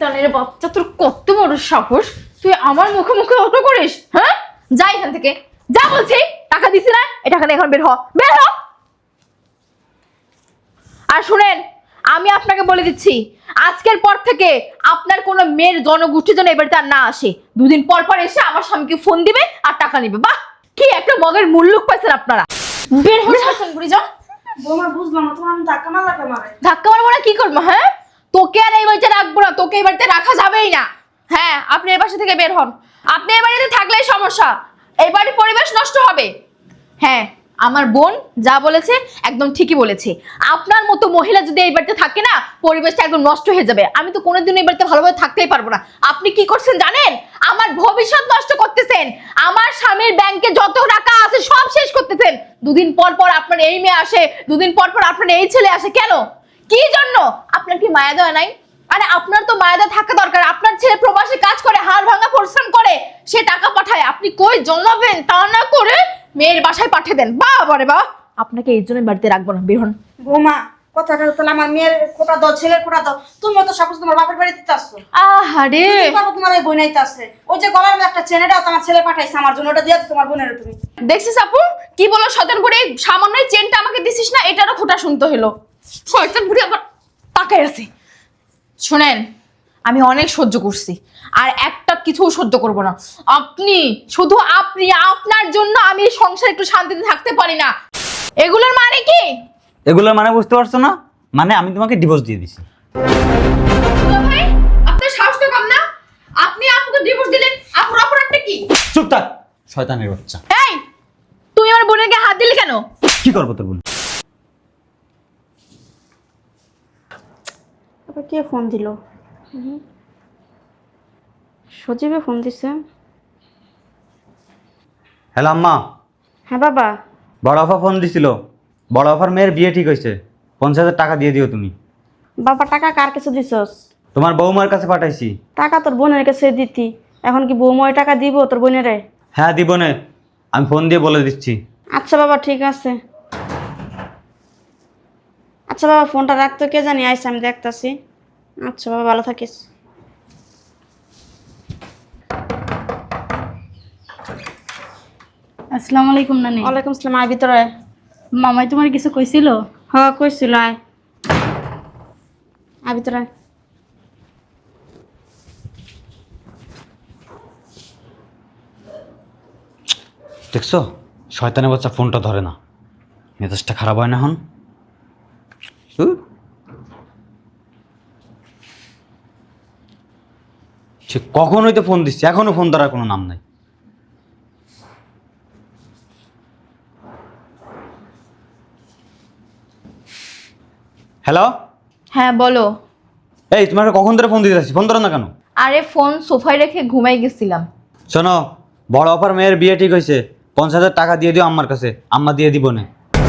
শয়তানের বাচ্চা, তোর কত বড় সাহস! তুই আমার মুখে মুখে অটো করিস? হ্যাঁ, যা এখান থেকে, যা বলছি। টাকা দিছি না, এই টাকা নিয়ে এখন বের হ, বের হ। আর শুনেন, আমি আপনাকে বলে দিচ্ছি, আজকের পর থেকে আপনার কোনো মেয়ের জনগোষ্ঠী যেন এবার তার না আসে। দুদিন পর পর এসে আমার স্বামীকে ফোন দিবে আর টাকা নিবে। বাহ, কি একটা মগের মুল্লুক পাইছেন আপনারা। বের হয়ে শাসন করে যাও। বৌমা বুঝলাম না, তোমার আমি ধাক্কা মারলা কে মারে? ধাক্কা মারবো না, কি করবো? হ্যাঁ, তোকে আর এই বাড়িতে রাখবো না, তোকে এই বাড়িতে রাখা যাবেই না। হ্যাঁ, আপনি এই বাসা থেকে বের হন। আপনি এই বাড়িতে থাকলেই সমস্যা, এই বাড়ির পরিবেশ নষ্ট হবে। হ্যাঁ, আমার বোন যা বলেছে একদম ঠিকই বলেছে। আপনার মতো মহিলা যদি এই বাড়িতে থাকে না, পরিবেশটা একদম নষ্ট হয়ে যাবে। আমি তো কোনোদিন এই বাড়িতে ভালোভাবে থাকতেই পারবো না। আপনি কি করছেন জানেন? আমার ভবিষ্যৎ নষ্ট করতেছেন। আমার স্বামীর ব্যাংকে যত টাকা আছে সব শেষ করতেছেন। দুদিন পর পর আপনার এই মেয়ে আসে, দুদিন পর পর আপনার এই ছেলে আসে। কেন, কি জন্য? আপনার কি মায়া দেওয়া নাই? আরে আপনার তো মায়া দেওয়া থাকা দরকার। আপনার ছেলে প্রবাসে কাজ করে, হাড় ভাঙা পরিশ্রম করে, সে টাকা পাঠায়, আপনি কই জমাবেন? তা না করে মেয়ের বাসায় পাঠিয়ে দেন। বাবা রে বাবা, আপনাকে এই জন্য বাড়িতে রাখবো না, বের হন। বৌমা কথাটা তাহলে আমার মেয়ের খোটা দাও, ছেলের খোটা দাও। তুমি তো সব তোমার বাপের বাড়িতে আসছো। আহারে, তোমার ওই বোন আইতে আছে, ওই যে গলার মধ্যে একটা চেনেটাও তোমার ছেলে পাঠাইছে আমার জন্য, ওটা দিয়ে তোমার বোনের তুমি। দেখছিস আপু কি বলো? শয়তান বুড়ি, সামান্য চেনটা আমাকে দিছিস না, এটারও খোটা শুনতে হলো। শয়তান বুড়ি আবার তাকাই আছে। শুনেন, আমি অনেক সহ্য করছি, আর একটা কিছু সহ্য করব না। আপনি, শুধু আপনি, আপনার জন্য আমি এই সংসারে একটু শান্তিতে থাকতে পারি না। এগুলোর মানে কি? এগুলোর মানে বুঝতে পারছো না? মানে আমি তোমাকে ডিভোর্স দিয়ে দিছি। দুলা ভাই, আপনার সাহস তো কম না? আপনি আপুকে ডিভোর্স দিলেন, আপুর অপরাধটা কি? চুপ থাক শয়তানের বাচ্চা। এই, তুই আমার বোনের গায়ে হাত দিলি কেন? কি করবো তোর বোন? আবার কে ফোন দিল? সজীবে ফোন দিছে। হ্যালো আম্মা। হ্যাঁ বাবা। বড় আফা ফোন দিছিল। বড় আফার মেয়ের বিয়ে ঠিক হয়েছে, 50,000 টাকা দিয়ে দিও তুমি। বাবা টাকা কার কাছে দিছস? তোমার বৌমার কাছে পাঠাইছি। টাকা তোর বোনের কাছে দিতি, এখন কি বৌমা ওই টাকা দিব তোর বোনেরে? হ্যাঁ দিব নে, আমি ফোন দিয়ে বলে দিচ্ছি। আচ্ছা বাবা ঠিক আছে। আচ্ছা বাবা ফোনটা রাখতো, কে জানি আইসে, আমি দেখতাছি। আচ্ছা বাবা ভালো থাকিস। আসসালামু আলাইকুম নানি। ওয়ালাইকুম আসসালাম। আয় ভিতরে আয়। মামাই তোমার কিছু কইছিল? হ্যাঁ কইছিল, আয় আয় ভিতরে আয়। দেখছো শয়তানের বাচ্চা ফোনটা ধরে না, মেজাজটা খারাপ হয় না এখন? সে কখনোই তো ফোন দিচ্ছে, এখনো ফোন ধরার কোনো নাম নাই। হ্যালো। হ্যাঁ বলো। এই তোমাকে কখন ধরে ফোন দিতে আসছি, ফোন ধরো না কেন? আরে ফোন সোফায় রেখে ঘুমাই গেছিলাম। শোনো, বড় অফার মেয়ের বিয়ে ঠিক হয়েছে, 50,000 টাকা দিয়ে দিও আম্মার কাছে, আম্মা দিয়ে দিব না।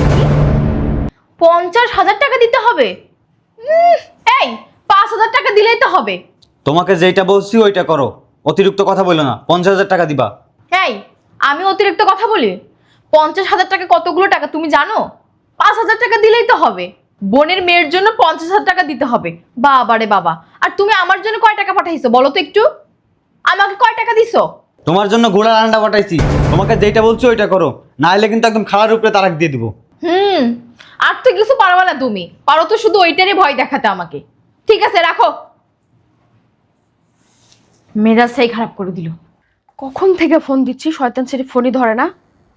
50,000 টাকা দিতে হবে? এই, 5,000 টাকা দিলেই তো হবে। তোমাকে যেটা বলছি ওইটা করো, অতিরিক্ত কথা বলো না। 50,000 টাকা দিবা। এই, আমি অতিরিক্ত কথা বলি? 50,000 টাকা কতগুলো টাকা তুমি জানো? 5,000 টাকা দিলেই তো হবে। বোনের মেয়ের জন্য 50,000 টাকা দিতে হবে। বাবা রে বাবা, আর তুমি আমার জন্য কয় টাকা পাঠাইছো বলো তো একটু? আমাকে কয় টাকা দিছো? তোমার জন্য ঘোড়ার আন্ডা পাঠাইছি, তোমাকে যেটা বলছি ওইটা করো, না হলে কিন্তু একদম খাড়ার উপরে তারাক দিয়ে দিব। আর তো কিছু পারবা না তুমি, পারো তো শুধু ওইটারই ভয় দেখাতে আমাকে। ঠিক আছে রাখো। মেজাজটাই খারাপ করে দিল। কখন থেকে ফোন দিচ্ছি, শয়তান ছেলে ফোনই ধরে না।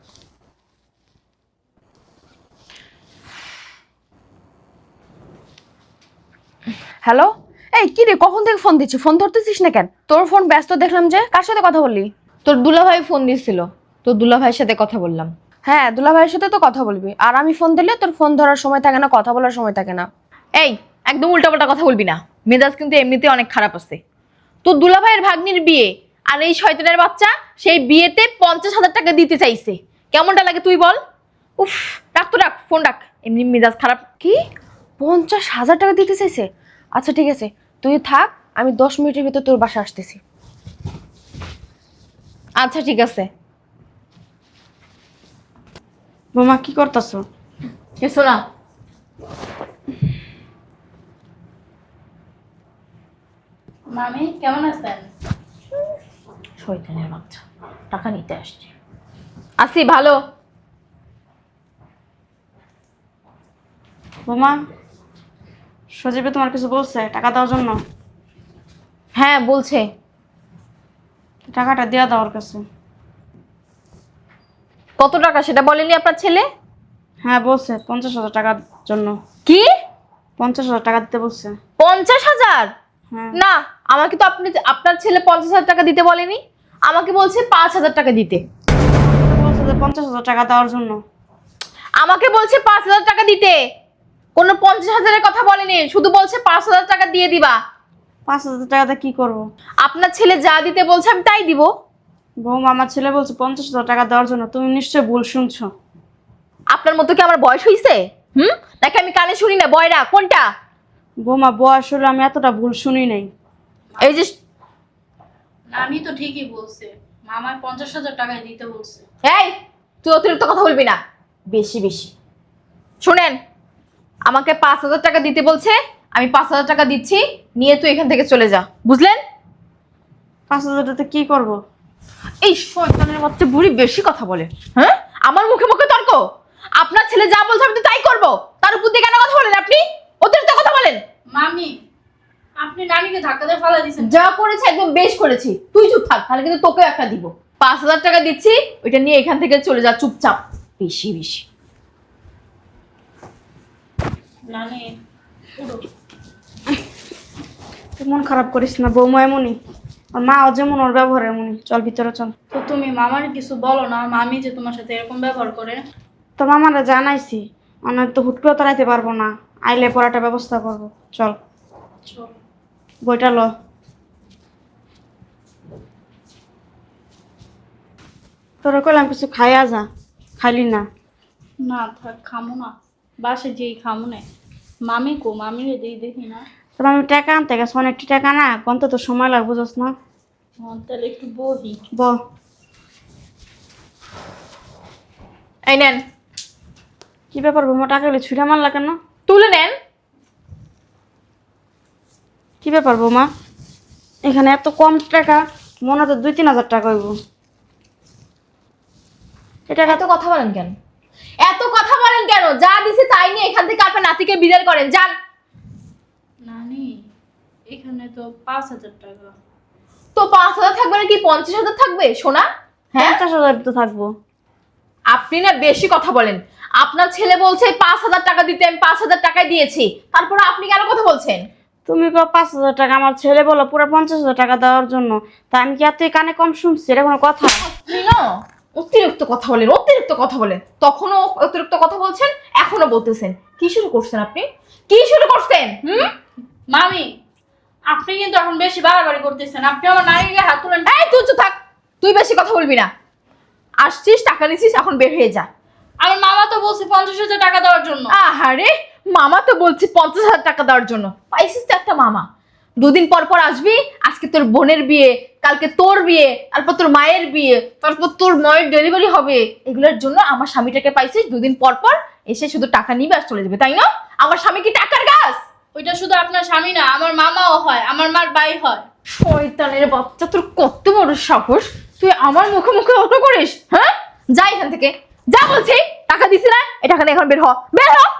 হ্যালো, এই কি রে, কখন থেকে ফোন দিচ্ছি, ফোন ধরতেছিস না কেন? তোর ফোন ব্যস্ত দেখলাম যে, কার সাথে কথা বললি? তোর দুলাভাই ফোন দিছিল, তোর দুলাভাইয়ের সাথে কথা বললাম। হ্যাঁ, দুলা ভাইয়ের সাথে তো কথা বলবি, আর আমি ফোন দিলে তোর ফোন ধরার সময় থাকে না, কথা বলার সময় থাকে না। এই, একদম উল্টাপাল্টা কথা বলবি না, মেজাজ কিন্তু এমনিতে অনেক খারাপ আছে। তোর দুলাভাইয়ের ভাগ্নির বিয়ে, আর এই শয়তানের বাচ্চা সেই বিয়েতে 50,000 টাকা দিতে চাইছে। কেমনটা লাগে তুই বল? উফ, রাখ তো রাখ, ফোন রাখ, এমনি মেজাজ খারাপ। কি, 50,000 টাকা দিতে চাইছে? আচ্ছা ঠিক আছে, তুই থাক, আমি 10 মিনিটের ভিতর তোর বাসা আসতেছি। আচ্ছা ঠিক আছে। বৌমা কি করতেছ? কিছু না। মামি কেমন আছেন? শয়তানের বাচ্চা, টাকা নিতে আসছে। আসি ভালো। বোমা, সজীবে তোমার কিছু বলছে টাকা দেওয়ার জন্য? হ্যাঁ বলছে। টাকাটা দেওয়া দেওয়ার কাছে। কত টাকা সেটা বলেনি আপনার ছেলে? হ্যাঁ বলছে 50,000 টাকার জন্য। কি 50,000 টাকা দিতে বলছে। 50,000? হ্যাঁ। না, আমাকে তো আপনার ছেলে 50,000 টাকা দিতে বলেনি, আমাকে বলছে 5,000 টাকা দিতে। বলছে যে 50,000 টাকা দেওয়ার জন্য। আমাকে বলছে 5,000 টাকা দিতে, কোনো 50,000-এর কথা বলেনি, শুধু বলছে 5,000 টাকা দিয়ে দিবা। 5,000 টাকাতে কি করবো? আপনার ছেলে যা দিতে বলছে আমি তাই দিব। বৌমা, আমার ছেলে বলছে 50,000 টাকা দেওয়ার জন্য। তুমি নিশ্চয়ই ভুল শুনছো। আপনার মতো কি আমার বয়স হইছে? নাকি আমি কানে শুনি না? বয়রা কোনটা? বৌমা, বয়স হলে আমি এতটা ভুল শুনি নাই। এই যে নানি তো ঠিকই বলছে, মামার 50,000 টাকায় দিতে বলছে। এই, তুই অতিরিক্ত কথা বলবি না, বেশি বেশি। শুনেন, আমাকে 5,000 টাকা দিতে বলছে, আমি 5,000 টাকা দিচ্ছি, নিয়ে তুই এখান থেকে চলে যা, বুঝলেন? 5,000 টাকাতে কি করবো? এই শয়তানের বাচ্চা বুড়ি বেশি কথা বলে। হ্যাঁ, আমার মুখে মুখে তর্ক। আপনার ছেলে যা বলছে আমি তো তাই করব, তার উপর দিয়ে কেন কথা বলেন আপনি? অতিরিক্ত কথা বলেন। মামি, আপনি নানিকে ধাক্কা দিয়ে ফেলা দিয়েছেন। যা করেছে একদম বেশ করেছি, তুই চুপ থাক, তাহলে কিন্তু তোকেও একটা দিব। 5,000 টাকা দিচ্ছি, ওইটা নিয়ে এখান থেকে চলে যা চুপচাপ। বেশি বেশি। নানি উঠো। তুই মন খারাপ করিস না, বৌমা এমনই। আর মাও যেমন, ওর ব্যবহার এমনই। চল ভিতরে চল। তো তুমি মামার কিছু বলো না, মামি যে তোমার সাথে এরকম ব্যবহার করে। তো মামারা জানাইছি, অনেক তো হুট করে তাড়াইতে পারবো না, আইলে পড়াটা ব্যবস্থা করবো। চল চল। বইটা ল। তোরা কইলাম কিছু খাইয়া যা, খাইলি না। না থাক, খামো না, বাসে যেই খামো না। মামি কো, মামিরে যেই দেখি না। তোর আমি টাকা আনতে গেছে, অনেকটি টাকা না, গন্তে তো সময় লাগবে, বুঝছ না? তাহলে একটু বহি। ব এই নেন। কি ব্যাপার বৌমা, টাকা এলে ছুঁড়ে মারলা কেন? তুলে নেন। কি ব্যাপার বৌমা, এখানে এত কম টাকা? মনে তো 2-3 হাজার টাকা হইব। এটা এত কথা বলেন কেন? এত কথা বলেন কেন? যা দিছে তাই নিয়ে এখান থেকে আপনার নাতিকে বিদায় করেন, যান। নানি, এখানে তো 5,000 টাকা। তো 5,000 থাকবে নাকি 50,000 থাকবে সোনা? হ্যাঁ, 50,000 তো থাকবো। আপনি না বেশি কথা বলেন। আপনার ছেলে বলছে 5,000 টাকা দিতে, আমি 5,000 টাকাই দিয়েছি, তারপরে আপনি কেন কথা বলছেন? তুমি কো 5,000 টাকা, আমার ছেলে বলো পুরো 50,000 টাকা দেওয়ার জন্য। তা আমি কি এতই কানে কম শুনছি? এটা কোনো কথা? আপনি না অতিরিক্ত কথা বলেন, অতিরিক্ত কথা বলেন। তখনও অতিরিক্ত কথা বলছেন, এখনো বলতেছেন। কি শুরু করছেন আপনি? কি শুরু করছেন? মামি, আপনি কিন্তু এখন বেশি বাড়াবাড়ি করতেছেন। আপনি আমার নানিকে হাত তুলেন। এই তুই চুপ থাক, তুই বেশি কথা বলবি না। আসছিস, টাকা নিছিস, এখন বের হয়ে যা। আমার মামা তো বলছে 50,000 টাকা দেওয়ার জন্য। আহারে, মামা তো বলছি 50,000 টাকা দেওয়ার জন্য। পাইছিস তো একটা মামা। 2 দিন পর পর আসবি, আজকে তোর বোনের বিয়ে, কালকে তোর বিয়ে, তারপর তোর মায়ের বিয়ে, তারপর তোর মায়ের ডেলিভারি হবে। এগুলোর জন্য আমার স্বামীটাকে পাইছিস 2 দিন পর পর এসে শুধু টাকা নিবে আর চলে যাবে, তাই না? আমার স্বামী কি টাকার গাছ? ওইটা শুধু আপনার স্বামী না, আমার মামাও হয়, আমার মার ভাই হয়। শয়তানের বাচ্চা, তোর কত বড় সাহস, তুই আমার মুখে মুখে অটো করিস? হ্যাঁ, যা এখান থেকে, যা বলছি। টাকা দিছি না, এই টাকা নিয়ে এখন বের হ, বের হ।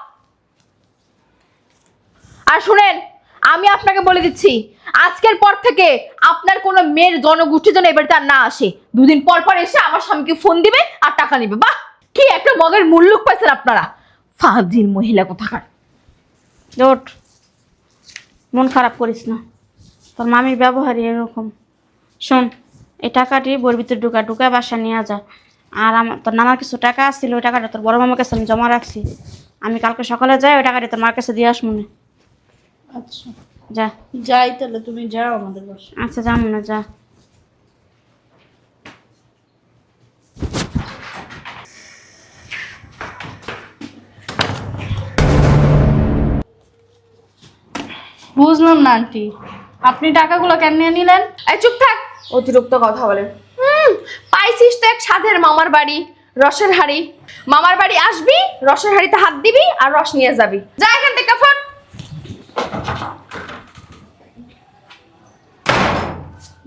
আর শুনেন, আমি আপনাকে বলে দিচ্ছি, আজকের পর থেকে আপনার কোনো মেয়ের জনগোষ্ঠী যেন এবার তার না আসে। 2 দিন পর পর এসে আমার স্বামীকে ফোন দিবে আর টাকা নিবে। বাহ, কি একটা মগের মুল্লুক পাইছেন আপনারা, ফাজিল মহিলা কোথাকার। ওঠ, মন খারাপ করিস না, তোর মামির ব্যবহারই এরকম। শোন, এই টাকাটি বইয়ের ভিতরে ঢুকা বাসা নিয়ে যা। আর আমার তোর নানার কিছু টাকা আসছিল, ওই টাকাটা তোর বড় মামার কাছে আমি জমা রাখছি। আমি কালকে সকালে যাই, ওই টাকাটি তোর মার কাছে দিয়ে আস মনে। আচ্ছা যা। যাই তাহলে, তুমি যাও আমাদের বাসায়। আচ্ছা, যা মনে, যা। বুঝলাম না আন্টি, আপনি টাকাগুলো কেন নিয়ে নিলেন? এই চুপ থাক, অতিরিক্ত কথা বলেন। পাইছিস তো এক সাধের মামার বাড়ি, রসের হাড়ি। মামার বাড়ি আসবি, রসের হাড়িতে হাত দিবি আর রস নিয়ে যাবি। যা এখান থেকে ফট।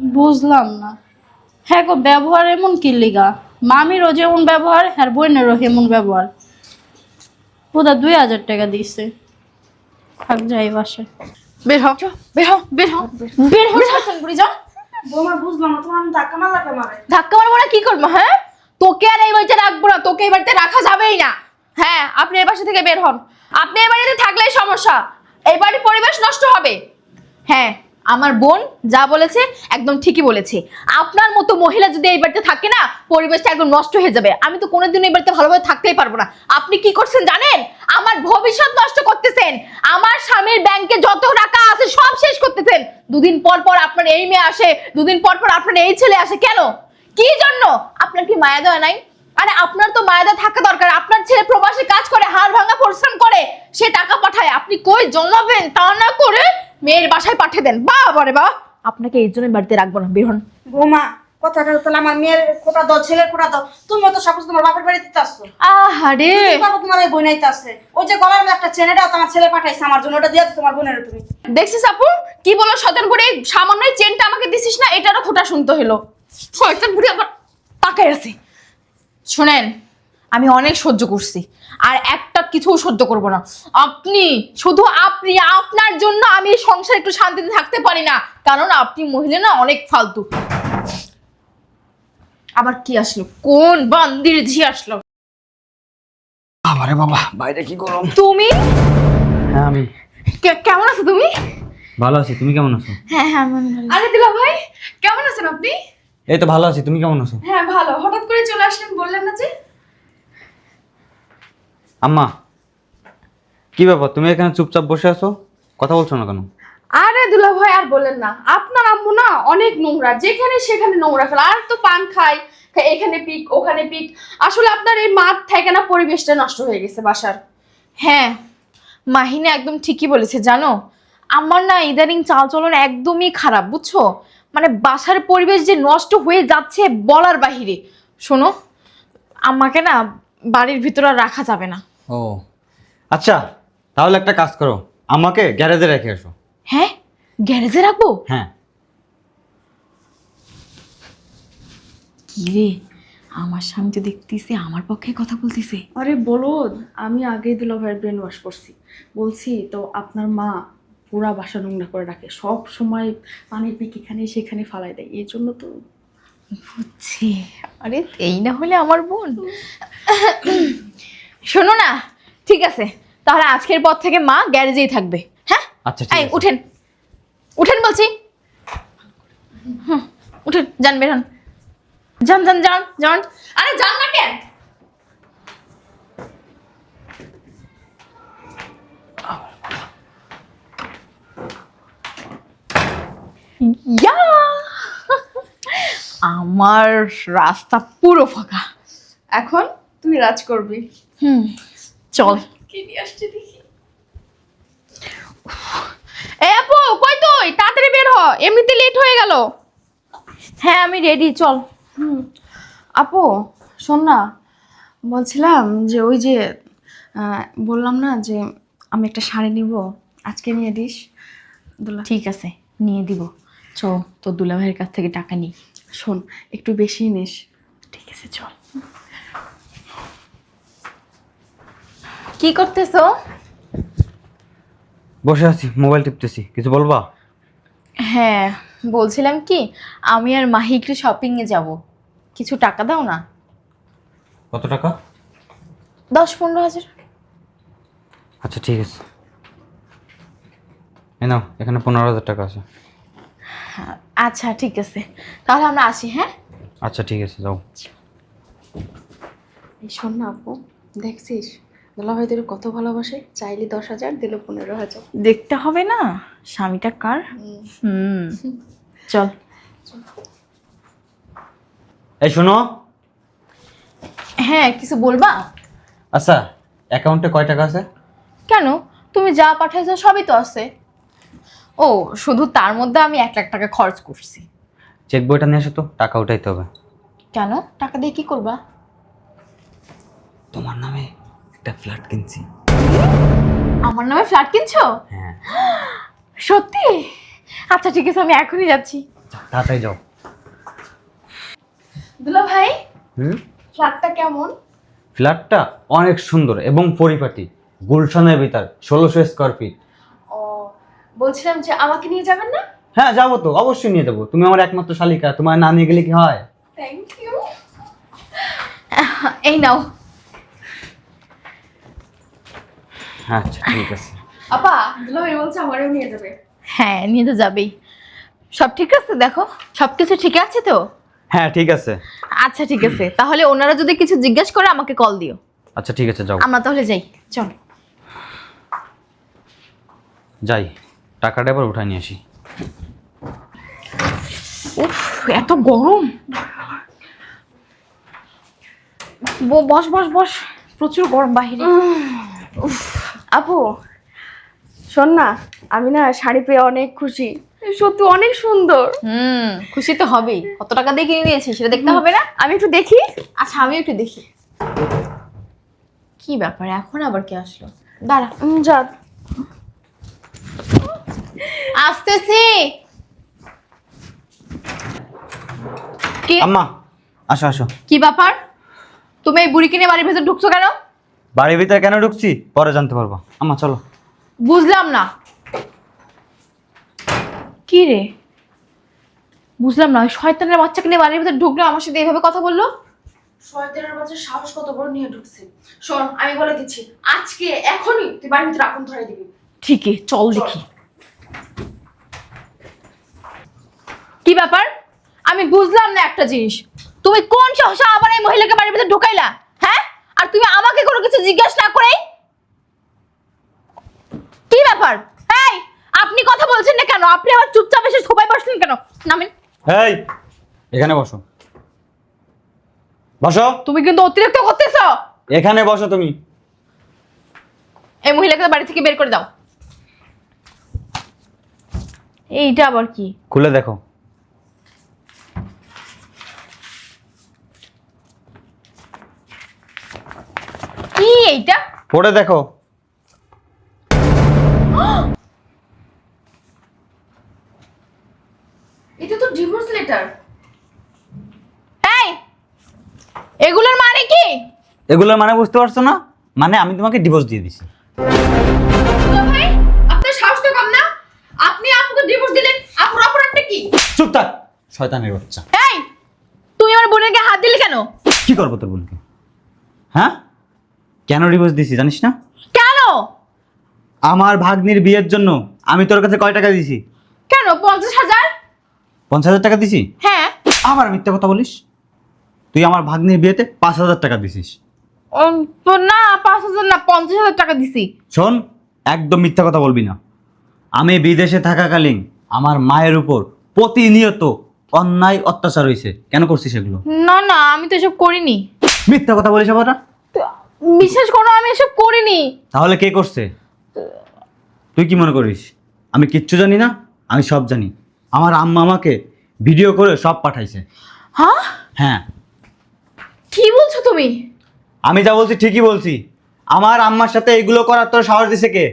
বুঝলাম না। হ্যাঁ গো, ব্যবহার এমন কি লিগা? মামিরও যেমন ব্যবহার, আর বোনেরও এমন ব্যবহার। ওটা 2000 টাকা দিচ্ছে। থাক যাই বাসে। বের হ বের হ বের হ বের হ শাসন করে যাও। বৌমা বুঝলাম না, তোমার আমি ধাক্কা মারলাকে মারে। ধাক্কা মারবো না কি করবো? হ্যাঁ, তোকে আর এই বাড়িতে রাখবো না, তোকে এই বাড়িতে রাখা যাবেই না। হ্যাঁ, আপনি এই বাসা থেকে বের হন। আপনি এই বাড়িতে থাকলেই সমস্যা, এই বাড়ির পরিবেশ নষ্ট হবে। হ্যাঁ, আমার বোন যা বলেছে একদম ঠিকই বলেছে। আপনার মতো মহিলা যদি এই বাড়িতে থাকে না, পরিবেশটা একদম নষ্ট হয়ে যাবে। আমি তো কোনোদিন এই বাড়িতে ভালোভাবে থাকতেই পারবো না। আপনি কি করছেন জানেন? আমার ভবিষ্যৎ নষ্ট করতেছেন। আমার স্বামীর ব্যাংকে যত টাকা আছে সব শেষ করতেছেন। দুদিন পর পর আপনার এই মেয়ে আসে, দুদিন পর পর আপনার এই ছেলে আসে। কেন, কি জন্য? আপনার কি মায়া দেওয়া নাই? আরে আপনার তো মায়া দেওয়া থাকা দরকার। আপনার ছেলে প্রবাসে কাজ করে, হাড় ভাঙা পরিশ্রম করে, সে টাকা পাঠায়। আপনি কই জমাবেন? তা না করে মেয়ের বাসায় পাঠিয়ে দেন। বাবা রে বাবা, আপনাকে এই জন্য বাড়িতে রাখবো না, বের হন। বৌমা কথাটা তাহলে আমার মেয়ের খোটা দাও, ছেলের খোটা দাও। তুমি তো সব তোমার বাপের বাড়িতে আসছো। আহারে, বাবা তোমার ওই বোন আইতে আছে, ওই যে গলার মধ্যে একটা চেনেটাও তোমার ছেলে পাঠাইছে আমার জন্য, ওটা দিয়ে দাও তোমার বোনের। তুমি দেখছিস আপু কি বলো? শয়তান বুড়ি, এই সামান্য এই চেনটা আমাকে দিছিস না, এটারও খোটা শুনতে হলো। শয়তান বুড়ি আবার তাকাই আছে। শুনেন, আমি অনেক সহ্য করছি, আর একটা কিছু সহ্য করব না। আপনি, শুধু আপনি, আপনার জন্য আমি এই সংসারে একটু শান্তিতে থাকতে পারি না, কারণ আপনি মহিলা না অনেক ফালতু। আবার কি আসলো? কোন বান্দির ঝি আসলো? আরে বাবা, বাইরে কি গরম। তুমি? হ্যাঁ আমি কেমন আছো তুমি? ভালো আছি, তুমি কেমন আছো? হ্যাঁ হ্যাঁ আমি ভালো। আরে দিলা ভাই, কেমন আছেন আপনি? এই তো ভালো আছি, তুমি কেমন আছো? হ্যাঁ ভালো। হঠাৎ করে চলে আসলেন, বললেন না যে? আম্মা, কি ব্যাপার, তুমি এখানে চুপচাপ বসে আছো, কথা বলছো না কেন? আরে দুলা ভাই আর বলেন না, আপনার আম্মু না অনেক নোংরা, যেখানে সেখানে নোংরা ফেলা। আর তো পান খায়, এখানে পিক ওখানে পিক। আসলে আপনার এই মাঠ থেকে না পরিবেশটা নষ্ট হয়ে গেছে বাসার। হ্যাঁ, মাহিনা একদম ঠিকই বলেছে জানো। আমার না ইদানিং চালচলন একদমই খারাপ, বুঝছো? মানে বাসার পরিবেশ যে নষ্ট হয়ে যাচ্ছে বলার বাহিরে। শোনো, আমাকে না বাড়ির ভিতরে আর রাখা যাবে না। ও আচ্ছা, তাহলে একটা কাজ করো, আমাকে গ্যারেজে রেখে এসো। হ্যাঁ, গ্যারেজে রাখবো? হ্যাঁ। কি রে, আমার স্বামী তো দেখতেছে আমার পক্ষে কথা বলতেছে। আরে বলো, আমি আগেই দুলা ভাইয়ের ব্রেন ওয়াশ করছি। বলছি তো আপনার মা পুরা বাসা নোংরা করে রাখে, সব সময় পানির পিক এখানে সেখানে ফালাই দেয়, এই জন্য তো। বুঝছি। আরে এই না হলে আমার বোন। শোনো না, ঠিক আছে, তাহলে আজকের পর থেকে মা গ্যারেজেই থাকবে। হ্যাঁ আচ্ছা ঠিক এই আছে। উঠেন, উঠেন বলছি। উঠেন, যান, বের হন। যান যান যান যান। আরে যান না কেন? ইয়া, আমার রাস্তা পুরো ফাঁকা। এখন তুই রাজ করবি। চল। কি দিয়ে আসছে দেখি। এই আপু, কই তুই? তাড়াতাড়ি বের হ, এমনিতে লেট হয়ে গেল। হ্যাঁ আমি রেডি, চল। আপু শোন না, বলছিলাম যে ওই যে বললাম না যে আমি একটা শাড়ি নিব, আজকে নিয়ে দিস। দুলা ঠিক আছে, নিয়ে দিব। চল, তোর দুলা ভাইয়ের কাছ থেকে টাকা নিই। শোন, একটু বেশি নিস। ঠিক আছে চল। কি করতেছো? বসে আছি, মোবাইল টিপতেছি, কিছু বলবা? হ্যাঁ, বলছিলাম কি, আমি আর মাহি একটু শপিং এ যাব, কিছু টাকা দাও না। কত টাকা? 10-15 হাজার। আচ্ছা ঠিক আছে, এই নাও, এখানে 15,000 টাকা আছে। আচ্ছা ঠিক আছে, তাহলে আমরা আসি। হ্যাঁ আচ্ছা ঠিক আছে, যাও। এই শোন না আপু, দেখছিস দুলা ভাই তোর কত ভালোবাসে, চাইলে 10,000 দিল 15,000। দেখতে হবে না স্বামীটা কার। চল। এই শোনো। হ্যাঁ, কিছু বলবা? আচ্ছা, অ্যাকাউন্টে কয় টাকা আছে? কেন, তুমি যা পাঠাইছো সবই তো আছে। ও, শুধু তার মধ্যে আমি 1 লাখ টাকা খরচ করছি। চেক বইটা নিয়ে এসো তো, টাকা উঠাইতে হবে। কেন, টাকা দিয়ে কি করবা? তোমার নামে একটা ফ্ল্যাট কিনছি। আমার নামে ফ্ল্যাট কিনছো? হ্যাঁ। সত্যি? আচ্ছা ঠিক আছে, আমি এখনই যাচ্ছি। তাড়াতাড়ি যাও। দুলা ভাই হুম, ফ্ল্যাটটা কেমন? ফ্ল্যাটটা অনেক সুন্দর এবং পরিপাটি, গুলশানের ভিতর, 1600 স্কোয়ার ফিট। ও, বলছিলাম যে আমাকে নিয়ে যাবেন না? হ্যাঁ যাবো তো, অবশ্যই নিয়ে যাবো। তুমি আমার একমাত্র শালিকা, তোমার না নিয়ে গেলে কি হয়? Thank you. এই নাও। আচ্ছা ঠিক আছে। আপা, দুলা ভাই বলছে আমারও নিয়ে যাবে। হ্যাঁ, নিয়ে তো যাবেই। সব ঠিক আছে? দেখো সব কিছু ঠিক আছে তো? হ্যাঁ ঠিক আছে। আচ্ছা ঠিক আছে, তাহলে ওনারা যদি কিছু জিজ্ঞেস করে আমাকে কল দিও। আচ্ছা ঠিক আছে, যাও। আমরা তাহলে যাই, চল। যাই, টাকাটা এবার উঠাই নিয়ে আসি। উফ, এত গরম। বস বস বস, প্রচুর গরম বাহিরে। আপু শোন না, আমি না শাড়ি পেয়ে অনেক খুশি, সত্যি অনেক সুন্দর। খুশি তো হবেই। কত টাকা দিয়ে কিনে নিয়েছিস সেটা দেখতে হবে না? আমি একটু দেখি। আচ্ছা, আমি একটু দেখি। কি ব্যাপার, এখন আবার কে আসলো? দাঁড়া, যা। আসতেছি। কি আম্মা আসো আসো। কি ব্যাপার, তুমি এই বুড়ি কিনে বাড়ির ভেতর ঢুকছো কেন? বাড়ির ভিতরে কেন ঢুকছি পরে জানতে পারবো। আম্মা চলো। বুঝলাম না। কি রে, বুঝলাম না। ওই শয়তানের বাচ্চাকে নিয়ে বাড়ির ভেতর ঢুকলো, আমার সাথে এইভাবে কথা বললো। শয়তানের বাচ্চার সাহস কত বড় নিয়ে ঢুকছে। শোন, আমি বলে দিচ্ছি, আজকে এখনই তুই বাড়ির ভিতরে আগুন ধরাই দিবি। ঠিকই, চল দেখি। কি ব্যাপার, আমি বুঝলাম না একটা জিনিস। তুমি কোন সাহসে আবার এই মহিলাকে বাড়ির ভিতরে ঢুকাইলা? হ্যাঁ, আর তুমি আমাকে কোনো কিছু জিজ্ঞাসা না করেই? কি ব্যাপার? এই, আপনি কথা বলছেন না কেন? আপনি আবার চুপচাপ এসে সোফায় বসলেন কেন? নামেন। এই এখানে বসো, বসো। তুমি কিন্তু অতিরিক্ত করতেছো। এখানে বসো তুমি। এই মহিলাকে বাড়ি থেকে বের করে দাও। এইটা আবার কি? খুলে দেখো। কি এইটা? পড়ে দেখো। এটা তো ডিভোর্স লেটার। এই, এগুলোর মানে কি? এগুলোর মানে বুঝতে পারছো না? মানে আমি তোমাকে ডিভোর্স দিয়ে দিছি। দুলা ভাই, আপনার সাহস তো কম না? আপনি আপুকে ডিভোর্স দিলেন, আপুর অপরাধটা কি? চুপ থাক শয়তানের বাচ্চা। এই, তুমি আমার বোনের গায়ে হাত দিলে কেন? কি করবো তোর বোনকে? হ্যাঁ, কেন ডিভোর্স দিছি জানিস না? কেন? আমার ভাগ্নির বিয়ের জন্য আমি তোর কাছে কয় টাকা দিছি? কেন 50,000? 50,000 টাকা দিছি? হ্যাঁ। আবার মিথ্যা কথা বলিস। তুই আমার ভাগ্নির বিয়েতে 5,000 টাকা দিছিস। তো না, 5,000 না, 50,000 টাকা দিছি। শোন, একদম মিথ্যা কথা বলবি না। আমি বিদেশে থাকাকালীন আমার মায়ের উপর প্রতিনিয়ত অন্যায় অত্যাচার হয়েছে। কেন করছিস এগুলো? না না, আমি তো এসব করিনি। মিথ্যা কথা বলিস আবার না? বিশ্বাস করো, আমি এসব করিনি। তাহলে কে করছে? তুই কি মনে করিস আমি কিচ্ছু জানি না? আমি সব জানি। আমার আম্মা আমাকে ভিডিও করে সব পাঠাইছে। হ্যাঁ? হ্যাঁ, কি বলছো তুমি? আমি যা বলছি ঠিকই বলছি। আমার আম্মার সাথে এগুলো করার তোর সাহস দিছে কে?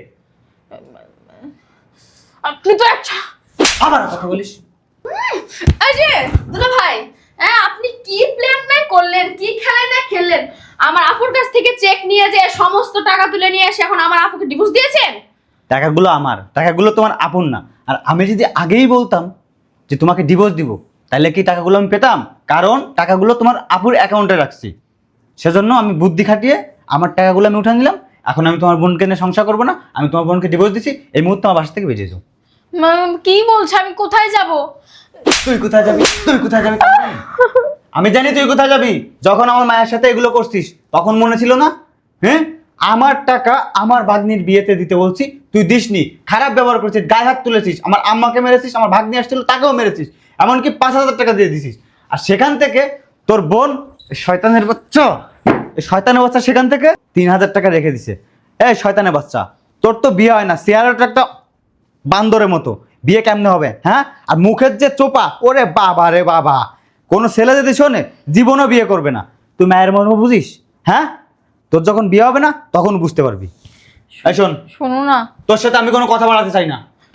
আপনি তো একটা... আবার কথা বলিস। এই যে দুলা ভাই, হ্যাঁ আপনি কি প্ল্যান না করলেন, কি খেলা না খেললেন? আমার আপুর কাছ থেকে চেক নিয়ে যে সমস্ত টাকা তুলে নিয়ে এসে এখন আমার আপুকে ডিভোর্স দিয়েছেন? টাকাগুলো আমার, টাকাগুলো তোমার আপন না। আর আমি যদি আগেই বলতাম যে তোমাকে ডিভোর্স দিব, তাহলে কি টাকাগুলো আমি পেতাম? কারণ টাকাগুলো তোমার আপুর অ্যাকাউন্টে রাখছি, সেজন্য আমি বুদ্ধি খাটিয়ে আমার টাকাগুলো আমি উঠে নিলাম। এখন আমি তোমার বোনকে নিয়ে সংসার করবো না, আমি তোমার বোনকে ডিভোর্স দিচ্ছি। এই মুহূর্তে আমার বাসা থেকে বেরিয়ে যাও। কি বলছো? আমি কোথায় যাব? তুই কোথায় যাবি? তুই কোথায় যাবি? আমি জানি তুই কোথায় যাবি। যখন আমার মায়ের সাথে এগুলো করছিস তখন মনে ছিল না? হ্যাঁ, আমার টাকা আমার ভাগ্নির বিয়েতে দিতে বলছি, তুই দিসনি। খারাপ ব্যবহার করছিস, গায়ে হাত তুলেছিস, আমার আম্মাকে মেরেছিস, আমার ভাগ্নি আসছিল তাকেও মেরেছিস, এমনকি 5,000 টাকা দিয়ে দিছিস। আর সেখান থেকে তোর বোন শয়তানের বাচ্চা, এই শয়তানের বাচ্চা সেখান থেকে 3,000 টাকা রেখে দিছে। এই শয়তানের বাচ্চা, তোর তো বিয়ে হয় না, চেয়ারটা একটা বান্দরের মতো। বিয়ে কেমনে হবে? হ্যাঁ, আর মুখের যে চোপা, ওরে বাবা রে বাবা, কোনো ছেলে যদি শোনে জীবনও বিয়ে করবে না। তুই মায়ের মর্ম বুঝিস? হ্যাঁ, তোর যখন বিয়ে হবে না তখন বুঝতে পারবি। এই শোন, শোনো না। তোর সাথে আমি কোনো কথা বলাতে চাই না। তুই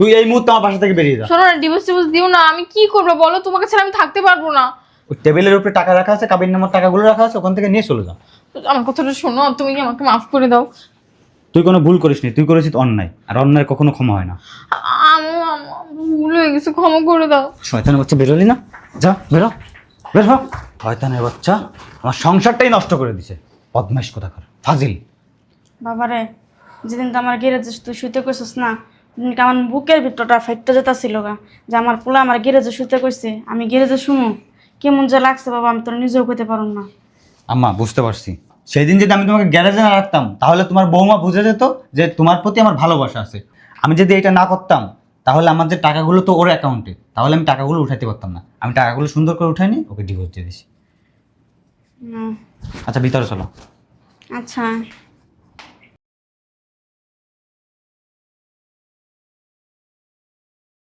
তুই এই মুহূর্তে আমার বাসা থেকে বেরিয়ে যা। শোনো না, ডিভোর্স টিভোর্স দিও না, আমি কি করবো বলো, তোমাকে ছাড়া আমি থাকতে পারবো না। ওই টেবিলের উপরে টাকা রাখা আছে, কাবির নামার টাকাগুলো রাখা আছে, ওখান থেকে নিয়ে চলে যা। আমার কথাটা শোনো, তুমি কি আমাকে মাফ করে দাও? তুই কোনো ভুল করিসনি, তুই করেছিস অন্যায়, আর অন্যায় কখনো ক্ষমা হয় না। ভুল হয়ে গেছে, ক্ষমা করে দাও। শয়তানের বাচ্চা বেরোলি না, যা বেরো, বের হ। শয়তানের বাচ্চা আমার সংসারটাই নষ্ট করে দিছে, বদমাইশ কোথাকার, ফাজিল। বাবারে, যেদিন তো আমার গ্যারেজে তুই শুইতে কইছিস না, সেদিনকে আমার বুকের ভিতরটা ফাইটতে যেতেছিল গা, যে আমার পোলা আমার গ্যারেজে শুইতে কইছে, আমি গ্যারেজে শুনো কেমন যে লাগছে বাবা, আমি তোর নিজেও কইতে পারুম না। আম্মা বুঝতে পারছি, সেই দিন যদি আমি তোমাকে গ্যারেজে না রাখতাম তাহলে তোমার বৌমা বুঝে যেত যে তোমার প্রতি আমার ভালোবাসা আছে। আমি যদি এটা না করতাম তাহলে আমার যে টাকাগুলো তো ওর অ্যাকাউন্টে, তাহলে আমি টাকাগুলো উঠাতে পারতাম না। আমি টাকাগুলো সুন্দর করে উঠাইনি, ওকে ডিভোর্স দিয়ে দিছি। হুম, আচ্ছা ভিতরে চলো। আচ্ছা।